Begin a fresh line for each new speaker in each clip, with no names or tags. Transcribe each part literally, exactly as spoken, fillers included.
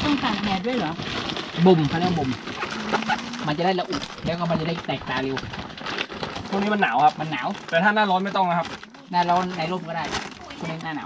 ต้องตากแดดด้วยเหรอบ่มเขาเรียกบ่มมันจะได้ละอุแล้วก็มันจะได้แตกตาเร็ว
ช่วงนี้มันหนาวครับ
มันหนาว
แต่ถ้าหน้าร้อนไม่ต้องนะครับ
หน้าร้อนในร่มก็ได้ช่วงนี้หน้าหนาว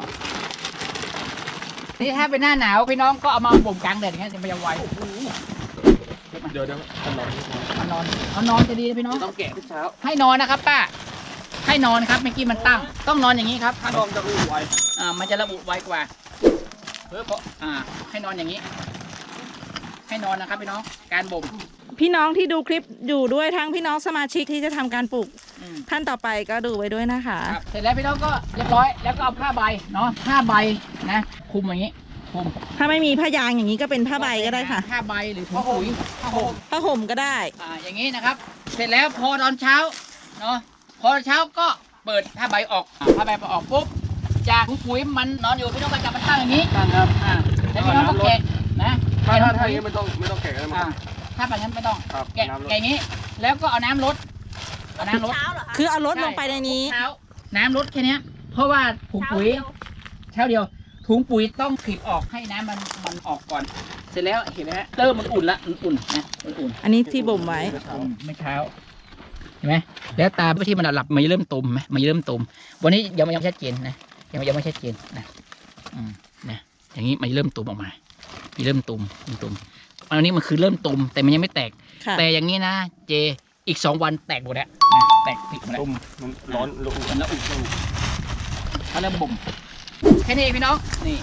นี่ถ้าเป็นหน้าหนาวพี่น้องก็เอามาบ่มกลางแดดอย่างเงี้ยจะไม่ยอมไว
เดี๋ยวเดี๋ยวมันนอน
มันนอนมันนอนจะดีนะพี่น้อง
ต้องแกะทุกเช้า
ให้นอนนะครับป้าให้นอนครับเมื่อกี้มันตั้งต้องนอนอย่างนี้ครับ
ถ้านอนจะระอุไว
อ่ามันจะระบุไวกว่าเพื่ออ่าให้นอนอย่างนี้ให้นอนนะครับพี่น้องการบ่ม
พี่น้องที่ดูคลิปอยู่ด้วยทั้งพี่น้องสมาชิกที่จะทำการปลูกท่านต่อไปก็ดูไว้ด้วยนะคะ
เสร็จแล้วพี่น้องก็เรียบร้อยแล้วก็เอาผ้าใบเนาะผ้าใบนะคลุมอย่างนี้คลุม
ถ้าไม่มีผ้ายางอย่างนี้ก็เป็นผ้าใบก็ได้ค่ะ
ผ้าใบหรือถุงปุ๋ยผ้าห่ม
ผ้าห่มก็ได้
อ่าอย่างนี้นะครับเสร็จแล้วพอตอนเช้าเนาะพอเช้าก็เปิดผ้าใบออกผ้าใบออกปุ๊บจากถุงปุ๋ยมันนอนอยู่พี่น้องก็จับมันตั้งอย่างนี้
ครับ
อ่าแล้วพี่น้องก็แกะนะ
ถ้าถ้าถ้าอย่างนี้ไม่ต้องไม่ต้องแกะก็ได้มั้ง
ถ้าแบบนั้นไม่ต้องแกะ
แกะ
อย่างนี้แล้วก็เอาน้ำลดเอาน้ำลด
คือเอาลดลงไปในนี้
น้ำลดแค่นี้เพราะว่าถุงปุ๋ยเช้าเดียวถุงปุ๋ยต้องคลิปออกให้น้ำมันมันออกก่อนเสร็จแล้วเห็นไหมฮะเริ่มมันอุ่นละอุ่นนะอุ่น
อันนี้ที่บ่มไว้
ไม่เช้าเห็นไหมแล้วตาที่มันหลับมันเริ่มตุ่มไหมมันเริ่มตุ่มวันนี้ยังไม่ยังชัดเจนนะยังยังไม่ชัดเจนนะอืมนะอย่างนี้มันเริ่มตุ่มออกมามีเริ่มตุ่มตุ่มอันนี้มันคือเริ่มตุ่มแต่มันยังไม่แตกแต่อย่างนี้นะเจอีกสองวันแตกหมดแล้วแตกติดหมดแล้ว
มันร้อนระอุ
มันระอุเขาเริ่มบ่มแค่นี้พี่น้องนี่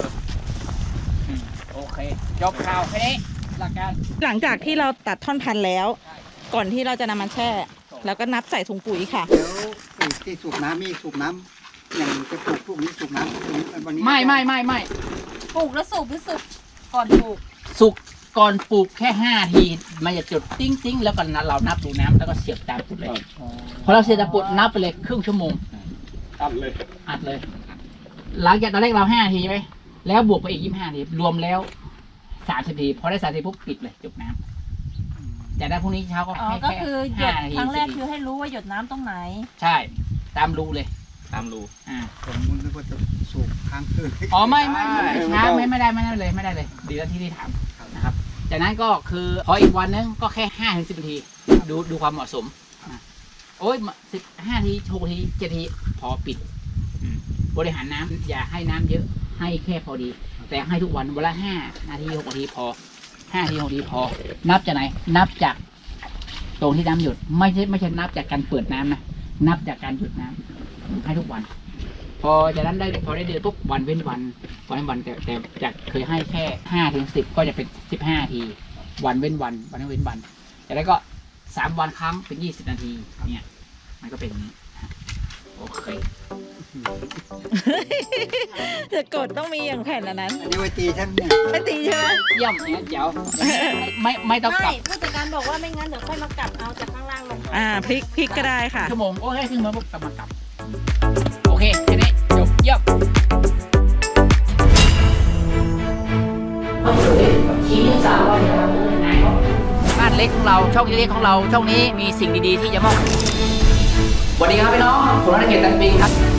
โอเคจบข่าวแค่นี้หลักการ
หลังจากที่เราตัดท่อนพันธุ์แล้วก่อนที่เราจะนำมันแช่แล้วก็นับใส่ถุงปุ๋ยค่ะ
แล้วที่สูบน้ำมีสูบน้ำอย่างจะปลูกพวกนี้สูบน้ำวันนี้
ไม่ไม่ไม่ไม่
ปลูกแล้วสูบหรือสุกก่อนปลูก
สุกก่อนปลูกแค่ห้าทีมันจะจุดติ้งติ้งแล้วก็เรานับดูน้ำแล้วก็เสียบตามจุดเลยพอเราเสียบตามจุดนับไปเลยครึ่งชั่วโมง
อัดเลย
อัดเลยหลังจากตอนแรกเราห้าทีใช่ไหมแล้วบวกไปอีกยี่สิบห้าทีรวมแล้วสามสิบทีพอได้สามสิบปุ๊บปิดเลยจบน้ำจากนั้นพรุ่งนี้เช้าก็
ให้แค่ห้านาทีครั้งแรกคือให้รู้ว่าหยดน้ำตรงไหน
ใช่ตามรูเลย
ตามรู
อ่า
ผมนึกว่าจะสูบค้างคืน
อ๋อไม่ไม่ช้าไม่ไม่ได้ไม่ได้เลยไม่ได้เลยดีแล้วที่ที่ถามนะครับจากนั้นก็คือพออีกวันนึงก็แค่ห้าถึงสิบนาทีดูดูความเหมาะสมโอ้ยสิบห้าทีหกทีเจ็ดทีพอปิดบริหารน้ำอย่าให้น้ำเยอะให้แค่พอดีแต่ให้ทุกวันวันละห้านาทีหกนาทีพอห้านาทีหกนาทีพอนับจากไหนนับจากตรงที่น้ำหยดไม่ใช่ไม่ใช่นับจากการเปิดน้ำนะนับจากการหยุดน้ำให้ทุกวันพอจากนั้นได้พอได้เดือนปุ๊บวันเว้นวันวันเว้นวันแต่แต่จากเคยให้แค่ห้าถึงสิบก็จะเป็นสิบห้าทีวันเว้นวันวันเว้นวันจากนั้นก็สามวันครั้งเป็นยี่สิบนาทีเนี่ยมันก็เป็นอย่างนี้โอเค
จะกดต้องมีอย่างแผ่นอันนั้น
อันนี้ไว้ตีท่านเนี่ย
ไว้ตีใช่ไหม
เยี่ยมเนี่ยเจ๋วไม่ไม่ต้องกลับ
ผู้จัดการบอกว่าไม่งั้นเดี๋ยวค่อยมากลับเอาจากข้างล่างลง
อ่าพลิกพลิกก็ได้ค่ะ
ชั่วโมงโอเคขึ้นมาปุ๊บกลับมากลับโอเคแค่นี้จบเยี่ยมชี้สาวบ้านเล็กของเราช่องเล็กของเราช่องนี้มีสิ่งดีๆที่จะมอบสวัสดีครับพี่น้องสุรเกียรติตันปิงครับ